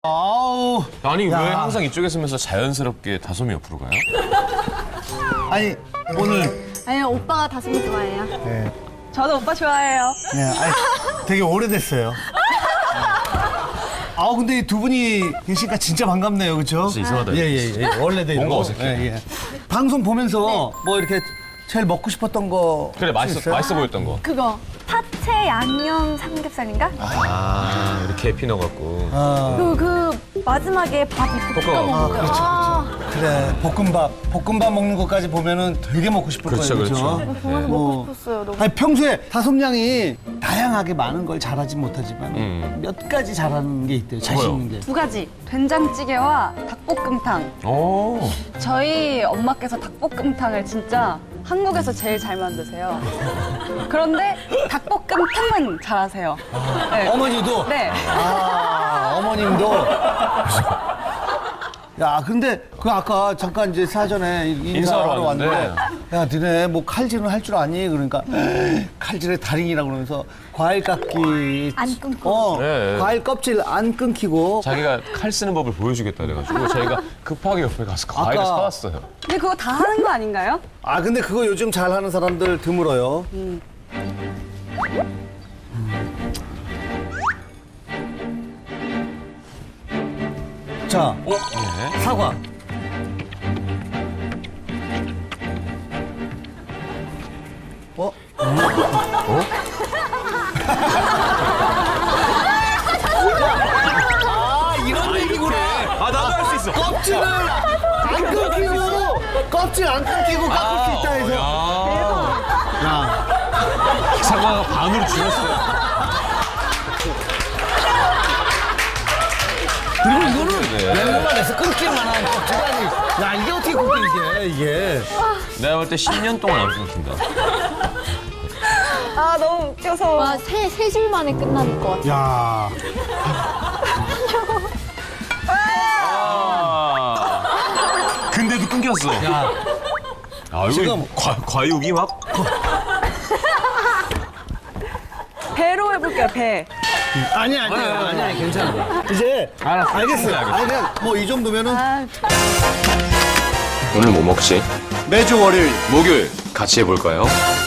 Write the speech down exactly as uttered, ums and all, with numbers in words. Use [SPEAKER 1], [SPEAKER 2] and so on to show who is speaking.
[SPEAKER 1] 아우.
[SPEAKER 2] 아니
[SPEAKER 1] 야.
[SPEAKER 2] 왜 항상 이쪽에 서면서 자연스럽게 다솜이 옆으로 가요?
[SPEAKER 1] 아니 오늘
[SPEAKER 3] 아니 오빠가 다솜이 좋아해요.
[SPEAKER 1] 네,
[SPEAKER 4] 저도 오빠 좋아해요.
[SPEAKER 1] 네, 아니, 되게 오래됐어요. 아 근데 이 두 분이 계시니까 진짜 반갑네요, 그렇죠?
[SPEAKER 2] 진짜 이상하다.
[SPEAKER 1] 예예예. 예, 예. 원래대로.
[SPEAKER 2] 뭔가 어색해.
[SPEAKER 1] 예, 예. 방송 보면서 뭐 이렇게 제일 먹고 싶었던 거
[SPEAKER 2] 그래 맛있어
[SPEAKER 1] 있어요?
[SPEAKER 2] 맛있어 보였던 거.
[SPEAKER 3] 그거
[SPEAKER 4] 파채 양념 삼겹살인가?
[SPEAKER 2] 아 이렇게 에피 넣어갖고.
[SPEAKER 1] 아,
[SPEAKER 4] 그, 그 마지막에 밥 이렇게 볶아
[SPEAKER 2] 볶아.
[SPEAKER 1] 아,
[SPEAKER 4] 먹는 거.
[SPEAKER 1] 그렇죠,
[SPEAKER 4] 아,
[SPEAKER 1] 그래 볶음밥 볶음밥 먹는 것까지 보면은 되게 먹고 싶을
[SPEAKER 2] 그렇죠,
[SPEAKER 1] 거예요,
[SPEAKER 2] 그렇죠.
[SPEAKER 1] 그렇죠?
[SPEAKER 4] 정말
[SPEAKER 1] 뭐.
[SPEAKER 4] 먹고 싶었어요. 너무.
[SPEAKER 1] 아니 평소에 다솜 양이 다양하게 많은 걸 잘하지 못하지만
[SPEAKER 2] 음.
[SPEAKER 1] 몇 가지 잘하는 게 있대요. 자신
[SPEAKER 2] 뭐요?
[SPEAKER 1] 있는 게.
[SPEAKER 4] 두 가지. 된장찌개와 닭볶음탕.
[SPEAKER 2] 오.
[SPEAKER 4] 저희 엄마께서 닭볶음탕을 진짜 한국에서 제일 잘 만드세요. 그런데 닭볶음탕만 잘하세요. 네.
[SPEAKER 1] 어머니도.
[SPEAKER 4] 네.
[SPEAKER 1] 아 어머님도. 야 근데 그 아까 잠깐 이제 사전에 인사하러
[SPEAKER 2] 인사하러
[SPEAKER 1] 왔는데
[SPEAKER 2] 왔는데.
[SPEAKER 1] 야 너네 뭐 칼질은 할 줄 아니? 그러니까 칼질의 달인이라고 그러면서 과일 깎기
[SPEAKER 3] 안 끊고.
[SPEAKER 1] 어
[SPEAKER 2] 네.
[SPEAKER 1] 과일 껍질 안 끊기고
[SPEAKER 2] 자기가 칼 쓰는 법을 보여주겠다 그래가지고 저희가 급하게 옆에 가서 과일을
[SPEAKER 1] 아까-
[SPEAKER 2] 사왔어요.
[SPEAKER 4] 근데 그거 다 하는 거 아닌가요?
[SPEAKER 1] 아 근데 그거 요즘 잘하는 사람들 드물어요.
[SPEAKER 4] 음.
[SPEAKER 1] 자
[SPEAKER 2] 어? 네.
[SPEAKER 1] 사과. 어? 아 이런 얘기구나.
[SPEAKER 2] 아 나도 할 수 있어.
[SPEAKER 1] 껍질을 안 끊기고 껍질 안 끊기고 깎을 수 있다 해서.
[SPEAKER 2] 야.
[SPEAKER 1] 야
[SPEAKER 2] 사과가 반으로 줄었어요.
[SPEAKER 1] 그리고 이거는
[SPEAKER 2] 네.
[SPEAKER 1] 냉동만 해서 끊기만 한 껍질이 아니. 야 이게 어떻게 끊겨 이게 이게.
[SPEAKER 2] 내가 볼 때 십 년 동안 안 끊긴다.
[SPEAKER 4] 아, 너무 웃겨서.
[SPEAKER 3] 와세 세 줄 만에 끝날 것 같아.
[SPEAKER 1] 야.
[SPEAKER 2] 아. 근데도 끊겼어.
[SPEAKER 1] 야.
[SPEAKER 2] 아 이거
[SPEAKER 1] 지금-
[SPEAKER 2] 과, 과육이 막.
[SPEAKER 4] 배로 해볼게요, 배.
[SPEAKER 1] 아니 아니 아니 아니 괜찮아. 이제
[SPEAKER 2] 알았어.
[SPEAKER 1] 알겠어요.
[SPEAKER 2] 알겠어.
[SPEAKER 1] 아니 그냥 뭐 이 정도면은
[SPEAKER 4] 아,
[SPEAKER 2] 오늘 뭐 먹지?
[SPEAKER 1] 매주 월요일
[SPEAKER 2] 목요일 같이 해볼까요?